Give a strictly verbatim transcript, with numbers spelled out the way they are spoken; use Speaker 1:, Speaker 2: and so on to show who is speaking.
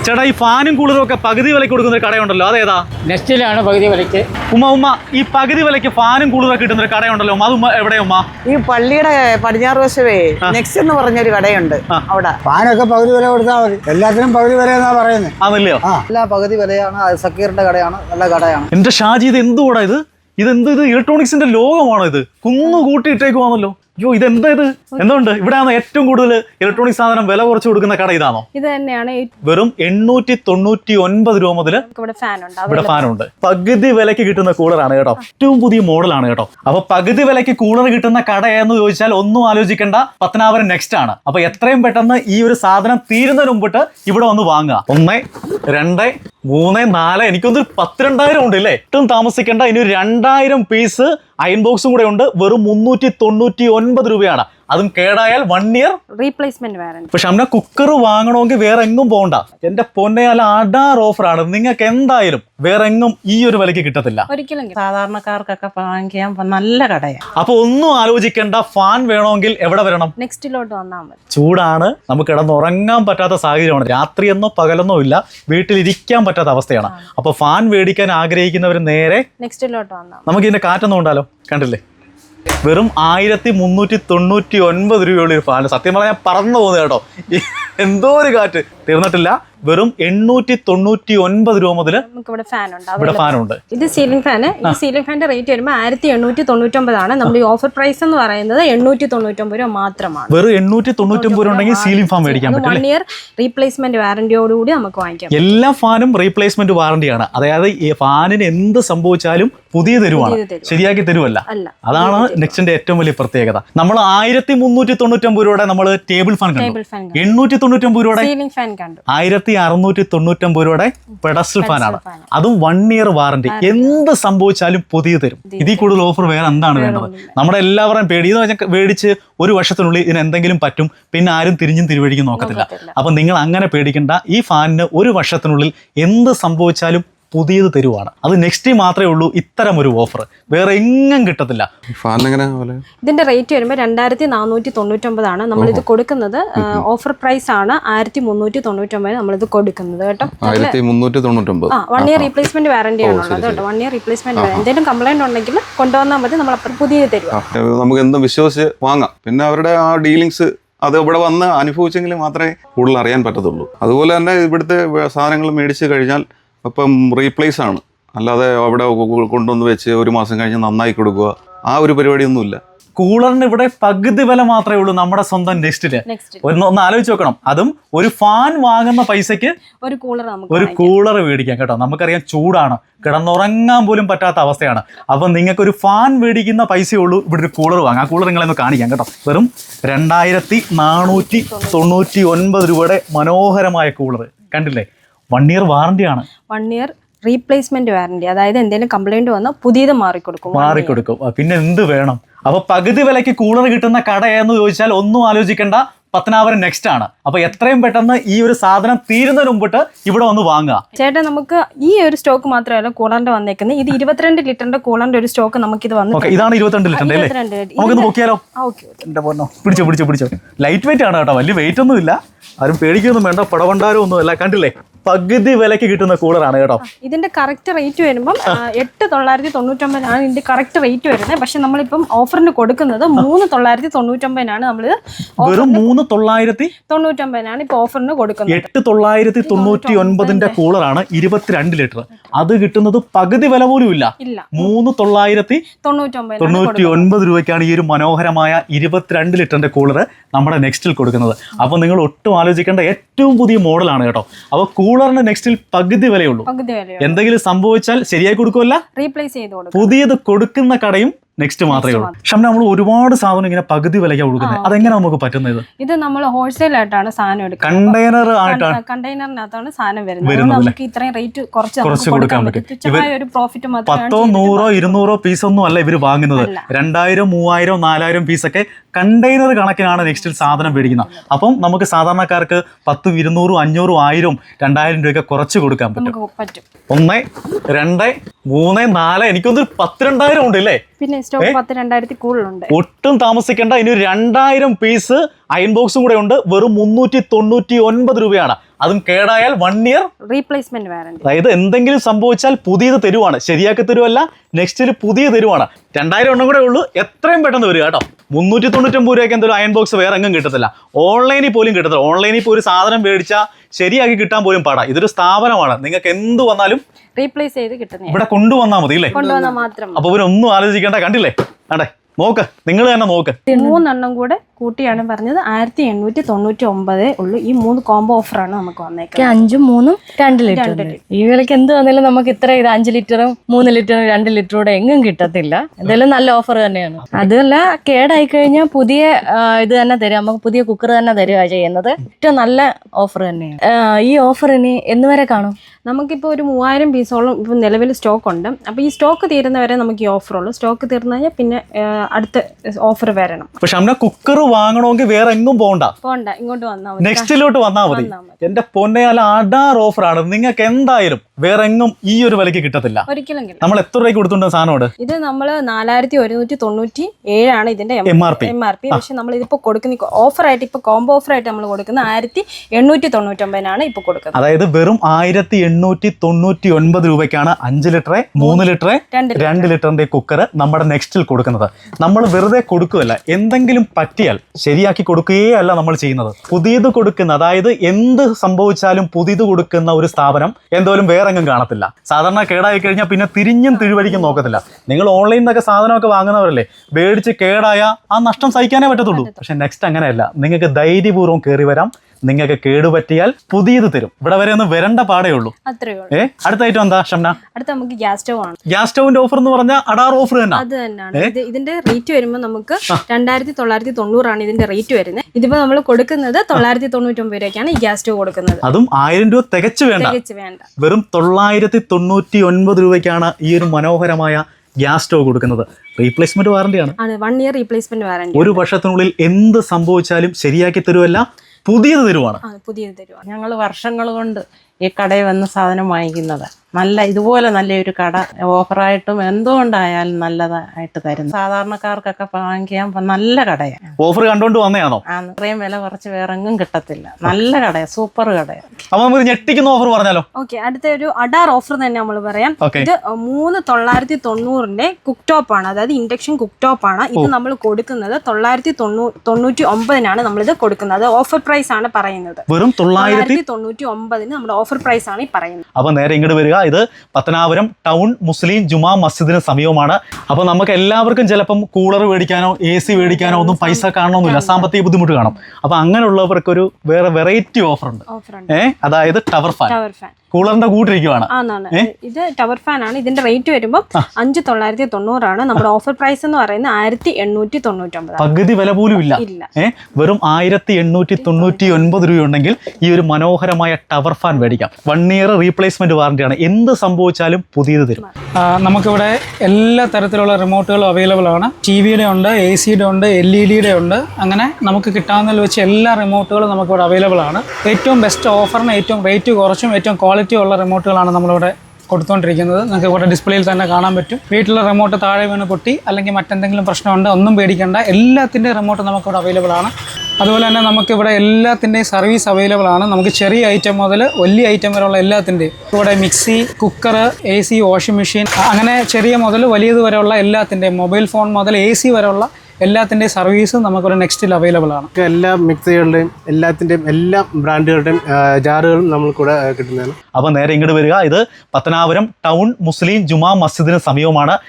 Speaker 1: ചേട്ടാ ഈ ഫാനും കൂളറും ഒക്കെ പകുതി വിലയ്ക്ക് കൊടുക്കുന്ന ഒരു കടയുണ്ടല്ലോ, അതേതാ?
Speaker 2: നെക്സ്റ്റിലാണ് പകുതി വിലയ്ക്ക്.
Speaker 1: ഉമ്മ ഉമ്മ ഈ പകുതി വിലയ്ക്ക് ഫാനും കൂളറൊക്കെ കിട്ടുന്ന ഒരു കടയുണ്ടല്ലോ, അത് ഉമ്മ എവിടെയാ ഉമ്മ?
Speaker 3: ഈ പള്ളിയുടെ പടിഞ്ഞാറ് വശവേ നെക്സ്റ്റ് എന്ന് പറഞ്ഞൊരു കടയുണ്ട് അവിടെ.
Speaker 4: ഫാനൊക്കെ പകുതി വില കൊടുത്താൽ മതി, എല്ലാത്തിനും പകുതി വില എന്നാ പറയുന്നത്.
Speaker 1: ആണല്ലയോ?
Speaker 4: എല്ലാ പകുതി വിലയാണ്, സക്കീറിന്റെ കടയാണ്, നല്ല കടയാണ്.
Speaker 1: എന്റെ ഷാജി ഇത് എന്തുകൂടാ ഇത്? ഇതെന്ത് ഇത്? ഇലക്ട്രോണിക്സിന്റെ ലോകമാണോ ഇത്? കുന്നു കൂട്ടിയിട്ടേക്കുവാണല്ലോ. അയ്യോ ഇതെന്താ ഇത്? എന്തുകൊണ്ട് ഇവിടെയാണ് ഏറ്റവും കൂടുതൽ ഇലക്ട്രോണിക് സാധനം വില കുറച്ച് കൊടുക്കുന്ന കട ഇതാണോ?
Speaker 5: ഇത് തന്നെയാണ്.
Speaker 1: വെറും എണ്ണൂറ്റി തൊണ്ണൂറ്റി ഒൻപത് രൂപ മുതൽ ഇവിടെ ഫാനുണ്ട്. പകുതി വിലക്ക് കിട്ടുന്ന കൂളറാണ് കേട്ടോ, ഏറ്റവും പുതിയ മോഡലാണ് കേട്ടോ. അപ്പൊ പകുതി വിലക്ക് കൂളർ കിട്ടുന്ന കട എന്ന് ചോദിച്ചാൽ ഒന്നും ആലോചിക്കേണ്ട, പത്തനാപുരം നെക്സ്റ്റ് ആണ്. അപ്പൊ എത്രയും പെട്ടെന്ന് ഈ ഒരു സാധനം തീരുന്നതിന് മുമ്പിട്ട് ഇവിടെ വന്ന് വാങ്ങുക. ഒന്ന് രണ്ട് മൂന്ന് നാല് എനിക്കൊന്ന് പത്തിരണ്ടായിരം ഉണ്ട് അല്ലേ? ഏറ്റവും താമസിക്കേണ്ട. ഇനി ഒരു രണ്ടായിരം പീസ് അയൺ ബോക്സും കൂടെ ഉണ്ട്. വെറും മുന്നൂറ്റി തൊണ്ണൂറ്റി ഒൻപത് രൂപയാണ്. അതും കേടായാൽ വൺ ഇയർ
Speaker 5: റീപ്ലേസ്മെന്റ് വാറന്റി.
Speaker 1: പക്ഷെ അമ്മ കുക്കർ വാങ്ങണമെങ്കിൽ വേറെ എങ്ങും പോകണ്ട. എന്റെ പൊന്നയാൽ അഡാർ ഓഫറാണ്. നിങ്ങൾക്ക് എന്തായാലും വേറെ എങ്ങും ഈ ഒരു വിലക്ക് കിട്ടത്തില്ല.
Speaker 5: ഒരിക്കലും
Speaker 3: സാധാരണക്കാർക്കൊക്കെ വാങ്ങിക്കാൻ നല്ല കടയാണ്.
Speaker 1: അപ്പൊ ഒന്നും ആലോചിക്കേണ്ട, ഫാൻ വേണമെങ്കിൽ എവിടെ വരണം?
Speaker 5: നെക്സ്റ്റിലോട്ട് വന്നാൽ മതി.
Speaker 1: ചൂടാണ്, നമുക്ക് കിടന്നുറങ്ങാൻ പറ്റാത്ത സാഹചര്യമാണ്. രാത്രിയെന്നോ പകലെന്നോ ഇല്ല, വീട്ടിലിരിക്കാൻ പറ്റാത്ത അവസ്ഥയാണ്. അപ്പൊ ഫാൻ മേടിക്കാൻ ആഗ്രഹിക്കുന്നവർ നേരെ
Speaker 5: നെക്സ്റ്റിലോട്ട് വന്നാൽ
Speaker 1: നമുക്ക് ഇതിന്റെ കാറ്റൊന്നും ഉണ്ടാലോ. കണ്ടില്ലേ, വെറും ആയിരത്തി മുന്നൂറ്റി തൊണ്ണൂറ്റി ഒൻപത് രൂപയുള്ള ഒരു ഫാൻ. സത്യം പറഞ്ഞാൽ ഞാൻ പറന്നു പോകുന്നത് കേട്ടോ, എന്തോ ഒരു കാറ്റ്. തീർന്നിട്ടില്ല. വെറും എണ്ണൂറ്റി തൊണ്ണൂറ്റി ഒൻപത് രൂപ മുതൽ
Speaker 5: ഇവിടെ ഫാൻ ഉണ്ട്.
Speaker 1: ഇവിടെ ഫാനുണ്ട്.
Speaker 5: ഇത് സീലിംഗ് ഫാന്. ഈ സീലിംഗ് ഫാന്റെ റേറ്റ് വരുമ്പോൾ ആയിരത്തി എണ്ണൂറ്റി തൊണ്ണൂറ്റി ഒമ്പതാണ്. നമ്മുടെ ഈ ഓഫർ പ്രൈസ് എന്ന് പറയുന്നത് എണ്ണൂറ്റി തൊണ്ണൂറ്റി ഒമ്പത് രൂപ മാത്രമാണ്.
Speaker 1: വെറും എണ്ണൂറ്റി തൊണ്ണൂറ്റി ഒമ്പത് രൂപ ഉണ്ടെങ്കിൽ സീലിംഗ് ഫാൻ മേടിക്കാൻ പറ്റും.
Speaker 5: വൺ ഇയർ റീപ്ലേസ്മെന്റ് വാറന്റിയോടുകൂടി നമുക്ക് വാങ്ങിക്കാം.
Speaker 1: എല്ലാ ഫാനും റീപ്ലേസ്മെന്റ് വാറന്റിയാണ്. അതായത് ഈ ഫാനിന് എന്ത് സംഭവിച്ചാലും പുതിയ തരുവാണ്, ശരിയാക്കി തരുവല്ല. അതാണ് നെക്സ്റ്റിന്റെ ഏറ്റവും വലിയ പ്രത്യേകത. നമ്മൾ ആയിരത്തി മുന്നൂറ്റി തൊണ്ണൂറ്റി ഒമ്പത് രൂപയുടെ നമ്മൾ ടേബിൾ ഫാൻ കണ്ടു, എണ്ണൂറ്റി തൊണ്ണൂറ്റി ഒമ്പത് രൂപയുടെ
Speaker 5: സീലിംഗ് ഫാൻ കണ്ടു,
Speaker 1: ആയിരത്തി അറുന്നൂറ്റി തൊണ്ണൂറ്റി ഒമ്പത് രൂപയുടെ പെഡസ്റ്റൽ ഫാനാണ്. അതും വൺ ഇയർ വാറന്റി. എന്ത് സംഭവിച്ചാലും പുതിയ തരും. ഇതിൽ കൂടുതൽ ഓഫർ വേറെ എന്താണ് വേണ്ടത്? നമ്മുടെ എല്ലാവരും പേടി എന്ന് വെച്ചാൽ മേടിച്ച് ഒരു വർഷത്തിനുള്ളിൽ ഇതിന് എന്തെങ്കിലും പറ്റും, പിന്നെ ആരും തിരിഞ്ഞും തിരുവഴിക്കും നോക്കത്തില്ല. അപ്പൊ നിങ്ങൾ അങ്ങനെ പേടിക്കേണ്ട. ഈ ഫാനിന് ഒരു വർഷത്തിനുള്ളിൽ എന്ത് സംഭവിച്ചാലും പുതിയത് തരുവാണ്. അത് നെക്സ്റ്റ് മാത്രമേ ഉള്ളൂ ഇത്തരം ഒരു ഓഫർ, വേറെ എങ്ങും കിട്ടത്തില്ല.
Speaker 5: ഇതിന്റെ റേറ്റ് വരുമ്പോൾ രണ്ടായിരത്തി നാനൂറ്റി തൊണ്ണൂറ്റി ഒമ്പതാണ് നമ്മളിത് കൊടുക്കുന്നത്. ഓഫർ പ്രൈസ് ആണ് ആയിരത്തി മുന്നൂറ്റി തൊണ്ണൂറ്റി ഒമ്പത് നമ്മളിത് കൊടുക്കുന്നത് കേട്ടോ. വൺ ഇയർ റീപ്ലേസ്മെന്റ് വാറന്റി ആണുള്ളത് കേട്ടോ. One year replacement warranty. എന്തെങ്കിലും കംപ്ലൈന്റ് ഉണ്ടെങ്കിൽ കൊണ്ടുവന്നാൽ മതി, നമ്മൾ അപ്പോൾ പുതിയത് തരും.
Speaker 6: നമുക്ക് എന്തും വിശ്വസിച്ച് വാങ്ങാം. പിന്നെ അവരുടെ ആ ഡീലിങ്സ് അത് ഇവിടെ വന്ന് അനുഭവിച്ചെങ്കിൽ മാത്രമേ കൂടുതൽ അറിയാൻ പറ്റത്തുള്ളൂ. അതുപോലെ തന്നെ ഇവിടുത്തെ സാധനങ്ങൾ മേടിച്ച് കഴിഞ്ഞാൽ ഇപ്പം റീപ്ലേസ് ആണ്, അല്ലാതെ അവിടെ കൊണ്ടുവന്ന് വെച്ച് ഒരു മാസം കഴിഞ്ഞ് നന്നായി കൊടുക്കുക, ആ ഒരു പരിപാടിയൊന്നുമില്ല.
Speaker 1: കൂളറിന് ഇവിടെ പകുതി വില മാത്രമേ ഉള്ളൂ നമ്മുടെ സ്വന്തം നെക്സ്റ്റില്. ഒന്ന് ഒന്ന് ആലോചിച്ച് നോക്കണം. അതും ഒരു ഫാൻ വാങ്ങുന്ന പൈസക്ക്
Speaker 5: ഒരു കൂളർ
Speaker 1: ഒരു കൂളർ മേടിക്കാം കേട്ടോ. നമുക്കറിയാം ചൂടാണ്, കിടന്നുറങ്ങാൻ പോലും പറ്റാത്ത അവസ്ഥയാണ്. അപ്പം നിങ്ങൾക്ക് ഒരു ഫാൻ മേടിക്കുന്ന പൈസയേ ഉള്ളൂ ഇവിടെ ഒരു കൂളർ വാങ്ങാം. ആ കൂളർ നിങ്ങളെന്ന് കാണിക്കാം കേട്ടോ. വെറും രണ്ടായിരത്തി നാനൂറ്റി തൊണ്ണൂറ്റി ഒൻപത് രൂപയുടെ മനോഹരമായ കൂളർ കണ്ടില്ലേ. വൺ ഇയർ വാറന്റിയാണ്.
Speaker 5: വൺ ഇയർ റീപ്ലേസ്മെന്റ് വാറന്റി, അതായത് എന്തെങ്കിലും കംപ്ലൈന്റ് വന്നാൽ പുതിയത് മാറിക്കൊടുക്കും
Speaker 1: മാറിക്കൊടുക്കും പിന്നെ എന്ത് വേണം? അപ്പൊ പകുതി വിലയ്ക്ക് കൂളർ കിട്ടുന്ന കട എന്ന് ചോദിച്ചാൽ ഒന്നും ആലോചിക്കേണ്ട, പത്തനാപുരം നെക്സ്റ്റ് ആണ്. അപ്പൊ എത്രയും പെട്ടെന്ന് ഈ ഒരു സാധനം തീരുന്നതിന് മുമ്പിട്ട് ഇവിടെ വന്ന് വാങ്ങുക.
Speaker 5: ചേട്ടാ, നമുക്ക് ഈ ഒരു സ്റ്റോക്ക് മാത്രമല്ല കൂളറിന്റെ വന്നേക്കുന്നത്. ഇത് ഇരുപത്തിരണ്ട് ലിറ്ററിന്റെ കൂളറിന്റെ ഒരു സ്റ്റോക്ക് നമുക്ക് ഇത് വന്നു.
Speaker 1: ഇതാണ് ഇരുപത്തിരണ്ട് ലിറ്ററിന്റെ അല്ലേ? നമുക്കൊന്ന് നോക്കിയാലോ? പിടിച്ചോ പിടിച്ചോ പിടിച്ചോ. ലൈറ്റ് വെയിറ്റ് ആണ് കേട്ടോ, വലിയ വെയിറ്റ് ഒന്നും ഇല്ല. ആരും പേടിക്കൊന്നും വേണ്ട, പടവണ്ടാരോ ഒന്നും അല്ല. കണ്ടില്ലേ, പകുതി വിലക്ക് കിട്ടുന്ന കൂളറാണ് കേട്ടോ.
Speaker 5: ഇതിന്റെ കറക്റ്റ് റേറ്റ് വരുമ്പം എട്ട് തൊള്ളായിരത്തി തൊണ്ണൂറ്റൊമ്പതിനാണ് ഇതിന്റെ കറക്റ്റ് റേറ്റ് വരുന്നത്. പക്ഷെ നമ്മളിപ്പം ഓഫറിന് കൊടുക്കുന്നത് മൂന്ന് തൊള്ളായിരത്തി തൊണ്ണൂറ്റൊമ്പതിനാണ്. നമ്മൾ
Speaker 1: വെറും മൂന്ന് തൊള്ളായിരത്തി
Speaker 5: തൊണ്ണൂറ്റൊമ്പതിനാണ് ഇപ്പൊ ഓഫറിന് കൊടുക്കുന്നത്.
Speaker 1: എട്ട് തൊള്ളായിരത്തി തൊണ്ണൂറ്റി ഒൻപതിന്റെ കൂളറാണ് ഇരുപത്തിരണ്ട് ലിറ്റർ. അത് കിട്ടുന്നത് പകുതി വില പോലും ഇല്ല. മൂന്ന് തൊള്ളായിരത്തി
Speaker 5: തൊണ്ണൂറ്റൊമ്പത്
Speaker 1: തൊണ്ണൂറ്റി ഒൻപത് രൂപയ്ക്കാണ് ഈ ഒരു മനോഹരമായ ഇരുപത്തിരണ്ട് ലിറ്ററിന്റെ കൂളർ നമ്മുടെ നെക്സ്റ്റിൽ കൊടുക്കുന്നത്. അപ്പൊ നിങ്ങൾ ഒട്ടും ആലോചിക്കേണ്ട ഏറ്റവും പുതിയ മോഡലാണ് കേട്ടോ. അപ്പൊ കൂളറിന് നെക്സ്റ്റിൽ പകുതി വിലയുള്ളൂ. എന്തെങ്കിലും സംഭവിച്ചാൽ ശരിയായി കൊടുക്കുമല്ല,
Speaker 5: റീപ്ലേസ് ചെയ്ത് കൊടുക്കും.
Speaker 1: പുതിയത് കൊടുക്കുന്ന കടയും നെക്സ്റ്റ് മാത്രമേ ഉള്ളൂ. പക്ഷെ നമ്മൾ ഒരുപാട് സാധനം ഇങ്ങനെ പകുതി വിലയ്ക്കാണ് കൊടുക്കുന്നത്. അതെങ്ങനെ നമുക്ക് പറ്റുന്നത്?
Speaker 5: ഇത് നമ്മൾ ഹോൾസെയിൽ ആയിട്ടാണ് സാധനം എടുക്കുന്നത്.
Speaker 1: കണ്ടെയ്നർ ആയിട്ടാണ്,
Speaker 5: കണ്ടെയ്നറിനകത്താണ് സാധനം വരുന്നത്. നമുക്ക് ഇത്രയും റേറ്റ് കുറച്ച്
Speaker 1: കുറച്ച് കൊടുക്കാൻ പറ്റും.
Speaker 5: ഒരു പ്രോഫിറ്റ് മാത്രം.
Speaker 1: പത്തോ നൂറോ ഇരുന്നൂറോ പീസ് ഒന്നും അല്ല ഇവർ വാങ്ങുന്നത്. രണ്ടായിരം മൂവായിരം നാലായിരം പീസൊക്കെ കണ്ടെയ്നർ കണക്കിനാണ് നെക്സ്റ്റിൽ സാധനം മേടിക്കുന്നത്. അപ്പം നമുക്ക് സാധാരണക്കാർക്ക് പത്തും ഇരുന്നൂറും അഞ്ഞൂറും ആയിരം രണ്ടായിരം രൂപയൊക്കെ കുറച്ച് കൊടുക്കാൻ പറ്റും. ഒന്ന് രണ്ട് മൂന്ന് നാല് എനിക്കൊന്ന് പത്തിരണ്ടായിരം ഉണ്ട് അല്ലേ?
Speaker 5: പിന്നെ സ്റ്റോക്ക് പത്ത് രണ്ടായിരത്തി കൂടുതലുണ്ട്.
Speaker 1: ഒട്ടും താമസിക്കേണ്ട. ഇനി രണ്ടായിരം പീസ് അയൺ ബോക്സും കൂടെ ഉണ്ട്. വെറും മുന്നൂറ്റി തൊണ്ണൂറ്റി ഒൻപത് രൂപയാണ്. അതും കേടായാൽ വൺ ഇയർ
Speaker 5: റീപ്ലേസ്മെന്റ് വാറണ്ടി.
Speaker 1: അതായത് എന്തെങ്കിലും സംഭവിച്ചാൽ പുതിയത് തരുവാണ്, ശരിയാക്കി തരുവല്ല, നെക്സ്റ്റിൽ പുതിയ തരുവാണ്. രണ്ടായിരം എണ്ണം കൂടെ ഉള്ളൂ, എത്രയും പെട്ടെന്ന് വരിക കേട്ടോ. മുന്നൂറ്റി തൊണ്ണൂറ്റൊമ്പത് രൂപയ്ക്ക് എന്തെങ്കിലും അയൺ ബോക്സ് വേറെ എങ്ങും കിട്ടത്തില്ല, ഓൺലൈനിൽ പോലും കിട്ടത്തില്ല. ഓൺലൈനിൽ ഇപ്പോൾ ഒരു സാധനം മേടിച്ചാൽ ശരിയാക്കി കിട്ടാൻ പോലും പാടാ. ഇതൊരു സ്ഥാപനമാണ്, നിങ്ങൾക്ക് എന്ത് വന്നാലും
Speaker 5: റീപ്ലേസ് ചെയ്ത് കിട്ടുന്നത്
Speaker 1: ഇവിടെ കൊണ്ടുവന്നാൽ മതി അല്ലേ?
Speaker 5: കൊണ്ടുവന്നാൽ മാത്രം.
Speaker 1: അപ്പൊ ഇവരൊന്നും ആലോചിക്കേണ്ട, കണ്ടില്ലേ? അതെ, നോക്ക്, നിങ്ങൾ തന്നെ നോക്ക്.
Speaker 5: മൂന്നെണ്ണം കൂടെ കൂട്ടിയാണ് പറഞ്ഞത് ആയിരത്തി എണ്ണൂറ്റി തൊണ്ണൂറ്റി ഒമ്പതേ ഉള്ളൂ. ഈ മൂന്ന് കോംബോ ഓഫറാണ് നമുക്ക് വന്നേക്കുന്നത്.
Speaker 7: അഞ്ചും മൂന്നും രണ്ട് ലിറ്റർ. ഈ വിലക്ക് എന്ത് വന്നാലും നമുക്ക് ഇത്ര ഇത് അഞ്ച് ലിറ്ററും മൂന്ന് ലിറ്ററും രണ്ട് ലിറ്ററൂടെ എങ്ങും കിട്ടത്തില്ല. എന്തായാലും നല്ല ഓഫർ തന്നെയാണ്. അതല്ല, കേടായി കഴിഞ്ഞാൽ പുതിയ ആ, ഇത് തന്നെ തരും, നമുക്ക് പുതിയ കുക്കർ തന്നെ തരിക ചെയ്യുന്നത്. ഏറ്റവും നല്ല ഓഫർ തന്നെയാണ്. ആ, ഈ ഓഫർ ഇനി എന്ന് വരെ കാണും?
Speaker 5: നമുക്കിപ്പോൾ ഒരു മൂവായിരം പീസോളം ഇപ്പം നിലവിൽ സ്റ്റോക്ക് ഉണ്ട്. അപ്പോൾ ഈ സ്റ്റോക്ക് തീരുന്നവരെ നമുക്ക് ഈ ഓഫർ ഉള്ളൂ. സ്റ്റോക്ക് തീർന്നു കഴിഞ്ഞാൽ പിന്നെ ആ, അടുത്ത ഓഫർ വരണം.
Speaker 1: പക്ഷെ അമ്മ കുക്കർ വാങ്ങണമെങ്കിൽ വേറെ എങ്ങും പോകണ്ട,
Speaker 5: പോണ്ട, ഇങ്ങോട്ട് വന്നാൽ മതി.
Speaker 1: നെക്സ്റ്റിലോട്ട് വന്നാൽ മതി. എന്റെ പൊന്നെ, അല്ല അടാർ ഓഫറാണ്. നിങ്ങൾക്ക് എന്തായാലും വേറെ എങ്ങും ഈ ഒരു വിലക്ക് കിട്ടത്തില്ല.
Speaker 5: ഒരിക്കലും കിട്ടും.
Speaker 1: നമ്മൾ എത്ര രൂപയ്ക്ക് കൊടുത്തിട്ടുണ്ട് സാധനോട്?
Speaker 5: ഇത് നമ്മൾ നാലായിരത്തി ഒരുന്നൂറ്റി തൊണ്ണൂറ്റി ഏഴാണ് ഇതിന്റെ
Speaker 1: M R P
Speaker 5: M R P. പക്ഷെ നമ്മൾ ഇതിപ്പോ കൊടുക്കുന്ന ഓഫറായിട്ട് ഇപ്പൊ കോംബോ ഓഫറായിട്ട് നമ്മൾ കൊടുക്കുന്ന ആയിരത്തി എണ്ണൂറ്റി തൊണ്ണൂറ്റി ഒമ്പതിനാണ് ഇപ്പൊ കൊടുക്കുന്നത്.
Speaker 1: അതായത് വെറും ആയിരത്തി എണ്ണൂറ്റി തൊണ്ണൂറ്റി ഒൻപത് രൂപയ്ക്കാണ് അഞ്ച് ലിറ്റർ മൂന്ന് ലിറ്റർ രണ്ട് ലിറ്ററിന്റെ കുക്കർ നമ്മുടെ നെക്സ്റ്റിൽ കൊടുക്കുന്നത്. നമ്മൾ വെറുതെ കൊടുക്കുകയല്ല, എന്തെങ്കിലും പറ്റിയാൽ ശരിയാക്കി കൊടുക്കുകയേ അല്ല നമ്മൾ ചെയ്യുന്നത്. പുതിയത് കൊടുക്കുന്ന, അതായത് എന്ത് സംഭവിച്ചാലും പുതിയത് കൊടുക്കുന്ന ഒരു സ്ഥാപനം എന്തായാലും വേറെ എങ്ങും കാണത്തില്ല. സാധാരണ കേടായി കഴിഞ്ഞാൽ പിന്നെ തിരിഞ്ഞും തിരുവഴിക്കും നോക്കത്തില്ല. നിങ്ങൾ ഓൺലൈനിൽ നിന്നൊക്കെ സാധനമൊക്കെ വാങ്ങുന്നവരല്ലേ, മേടിച്ച് കേടായ ആ നഷ്ടം സഹിക്കാനേ പറ്റത്തുള്ളൂ. പക്ഷെ നെക്സ്റ്റ് അങ്ങനെയല്ല, നിങ്ങൾക്ക് ധൈര്യപൂർവ്വം കയറി വരാം. നിങ്ങൾക്ക് കേടുപറ്റിയാൽ പുതിയത് തരും. ഇവിടെ വരെ ഒന്ന് വരണ്ട പാടേ ഉള്ളൂ.
Speaker 5: അത്രയേ ഉള്ളൂ.
Speaker 1: ഏ അടുത്ത ഐറ്റം എന്താ ഷംന?
Speaker 5: അടുത്ത നമുക്ക് ഗ്യാസ് സ്റ്റവ് ആണ്.
Speaker 1: ഗ്യാസ് സ്റ്റൗവിന്റെ ഓഫർ എന്ന് പറഞ്ഞാൽ അടാർ ഓഫർ തന്നെ.
Speaker 5: അത് തന്നെയാണ്. ഇത് ഇതിന്റെ റേറ്റ് വരുമ്പോൾ നമുക്ക് രണ്ടായിരത്തി തൊള്ളായിരത്തി തൊണ്ണൂറാണ് ഇതിന്റെ റേറ്റ് വരുന്നത്. ഇതിപ്പോ നമ്മൾ കൊടുക്കുന്നത് തൊള്ളായിരത്തി തൊണ്ണൂറ്റി ഒമ്പത് രൂപയ്ക്കാണ് ഈ ഗ്യാസ് സ്റ്റവ് കൊടുക്കുന്നത്.
Speaker 1: അതും ആയിരം രൂപ തികച്ചു വേണ്ട,
Speaker 5: തികച്ച് വേണ്ട.
Speaker 1: വെറും തൊള്ളായിരത്തി തൊണ്ണൂറ്റി ഒൻപത് രൂപയ്ക്കാണ് ഈ ഒരു മനോഹരമായ ഗ്യാസ് സ്റ്റവ് കൊടുക്കുന്നത്. റീപ്ലേസ്മെന്റ് വാറണ്ടിയാണ്.
Speaker 5: ആണ് വൺ ഇയർ റീപ്ലേസ്മെന്റ് വാറണ്ടി.
Speaker 1: ഒരു വർഷത്തിനുള്ളിൽ എന്ത് സംഭവിച്ചാലും ശരിയാക്കി തരുമല്ല, പുതിയത് തരുവാണ്.
Speaker 5: പുതിയത് തരുവാണ്.
Speaker 3: ഞങ്ങൾ വർഷങ്ങൾ കൊണ്ട് ഈ കടയിൽ വന്ന് സാധനം വാങ്ങിക്കുന്നത്. നല്ല ഇതുപോലെ നല്ലൊരു കട ഓഫറായിട്ടും എന്തുകൊണ്ടായാലും നല്ലതായിട്ട് തരുന്നു. സാധാരണക്കാർക്കൊക്കെ വാങ്ങിക്കാൻ നല്ല കടയാണ്.
Speaker 1: ഓഫർ കണ്ടോണ്ട് വന്നതാണോ?
Speaker 3: ആ, ഇത്രയും വില കുറച്ച് വേറെ എങ്ങും കിട്ടത്തില്ല. നല്ല കടയാണ്, സൂപ്പർ കടയാണ്.
Speaker 1: അപ്പൊ നമുക്ക് ഞെട്ടിക്കുന്ന ഓഫർ പറഞ്ഞാലോ?
Speaker 5: ഓക്കെ, അടുത്ത ഒരു അഡാർ ഓഫർ തന്നെ നമ്മൾ പറയാം.
Speaker 1: Okay.
Speaker 5: ഇത് മൂന്ന് തൊള്ളായിരത്തി തൊണ്ണൂറിന്റെ കുക്ക് ടോപ്പ് ആണ്, അതായത് ഇൻഡക്ഷൻ കുക്ക് ടോപ്പ് ആണ്. ഇത് നമ്മൾ കൊടുക്കുന്നത് തൊള്ളായിരത്തി തൊണ്ണൂ തൊണ്ണൂറ്റി ഒമ്പതിനാണ് നമ്മളിത് കൊടുക്കുന്നത്. ഓഫർ പ്രൈസ് ആണ് പറയുന്നത്.
Speaker 1: വെറും തൊള്ളായിരത്തി
Speaker 5: തൊണ്ണൂറ്റി ഒമ്പതിന് നമ്മുടെ ഓഫർ പ്രൈസ് ആണ് ഈ പറയുന്നത്.
Speaker 1: അപ്പൊ നേരെ ഇങ്ങോട്ട് വരിക. ഇത് പത്തനാപുരം ടൗൺ മുസ്ലിം ജുമാ മസ്ജിദിന് സമീപമാണ്. അപ്പൊ നമുക്ക് എല്ലാവർക്കും ചിലപ്പം കൂളർ മേടിക്കാനോ എ സി മേടിക്കാനോ ഒന്നും പൈസ കാണണമെന്നില്ല, സാമ്പത്തിക ബുദ്ധിമുട്ട് കാണും. അപ്പൊ അങ്ങനെയുള്ളവർക്ക് ഒരു വേറെ വെറൈറ്റി ഓഫർ ഉണ്ട്. ഏഹ് അതായത് ടവർ ഫാൻ.
Speaker 5: ടവർ ഫാൻ
Speaker 1: കൂളറിന്റെ കൂട്ടിരിക്കുവാണ്.
Speaker 5: ആണാണ്. ഇത് ടവർ ഫാൻ ആണ്. ഇതിന്റെ റേറ്റ് വരുമ്പോൾ അഞ്ച് തൊള്ളായിരത്തി തൊണ്ണൂറാണ്. നമ്മുടെ ഓഫർ പ്രൈസ് എന്ന് പറയുന്നത് ആയിരത്തി എണ്ണൂറ്റി തൊണ്ണൂറ്റി ഒമ്പത്.
Speaker 1: പകുതി വില പോലും ഇല്ല. ഏഹ് വെറും ആയിരത്തി എണ്ണൂറ്റി തൊണ്ണൂറ്റി ഒൻപത് രൂപ ഉണ്ടെങ്കിൽ ഈ ഒരു മനോഹരമായ ടവർ ഫാൻ മേടിക്കാം. വൺ ഇയർ റീപ്ലേസ്മെന്റ് വാറണ്ടിയാണ്. എന്ത് സംഭവിച്ചാലും പുതിയത് തരും.
Speaker 2: നമുക്കിവിടെ എല്ലാ തരത്തിലുള്ള റിമോട്ടുകളും അവൈലബിൾ ആണ്. ടി വിയുടെ ഉണ്ട്, എ സിയുടെ ഉണ്ട്, എൽ ഇ ഡിയുടെ ഉണ്ട്. അങ്ങനെ നമുക്ക് കിട്ടാവുന്നതിൽ വെച്ച് എല്ലാ റിമോട്ടുകളും നമുക്കിവിടെ അവൈലബിൾ ആണ്. ഏറ്റവും ബെസ്റ്റ് ഓഫറിന് ഏറ്റവും റേറ്റ് കുറച്ചും ഏറ്റവും ക്വാളിറ്റി ഉള്ള റിമോട്ടുകളാണ് നമ്മളിവിടെ കൊടുത്തുകൊണ്ടിരിക്കുന്നത്. നിങ്ങൾക്ക് ഇവിടെ ഡിസ്പ്ലേയിൽ തന്നെ കാണാൻ പറ്റും. വീട്ടിലെ റിമോട്ട് താഴെ വീണ് പൊട്ടി അല്ലെങ്കിൽ മറ്റെന്തെങ്കിലും പ്രശ്നമുണ്ട്, ഒന്നും പേടിക്കേണ്ട. എല്ലാത്തിൻ്റെയും റിമോട്ട് നമുക്കിവിടെ അവൈലബിൾ ആണ്. അതുപോലെ തന്നെ നമുക്കിവിടെ എല്ലാത്തിൻ്റെയും സർവീസ് അവൈലബിൾ ആണ്. നമുക്ക് ചെറിയ ഐറ്റം മുതൽ വലിയ ഐറ്റം വരെയുള്ള എല്ലാത്തിൻ്റെയും ഇവിടെ mixie, cooker, A C, washing machine, അങ്ങനെ ചെറിയ മുതൽ വലിയത് വരെയുള്ള എല്ലാത്തിൻ്റെയും, മൊബൈൽ ഫോൺ മുതൽ എ സി വരെയുള്ള എല്ലാത്തിൻ്റെയും സർവീസും നമുക്കിവിടെ നെക്സ്റ്റിൽ അവൈലബിൾ ആണ്.
Speaker 8: എല്ലാ മിക്സികളുടെയും എല്ലാത്തിൻ്റെയും എല്ലാ ബ്രാൻഡുകളുടെയും ജാറുകളും നമ്മൾക്കൂടെ കിട്ടുന്നതാണ്.
Speaker 1: അപ്പോൾ നേരെ ഇങ്ങോട്ട് വരിക. ഇത് പത്തനാപുരം ടൗൺ മുസ്ലിം ജുമാ മസ്ജിദിന് സമീപമാണ്.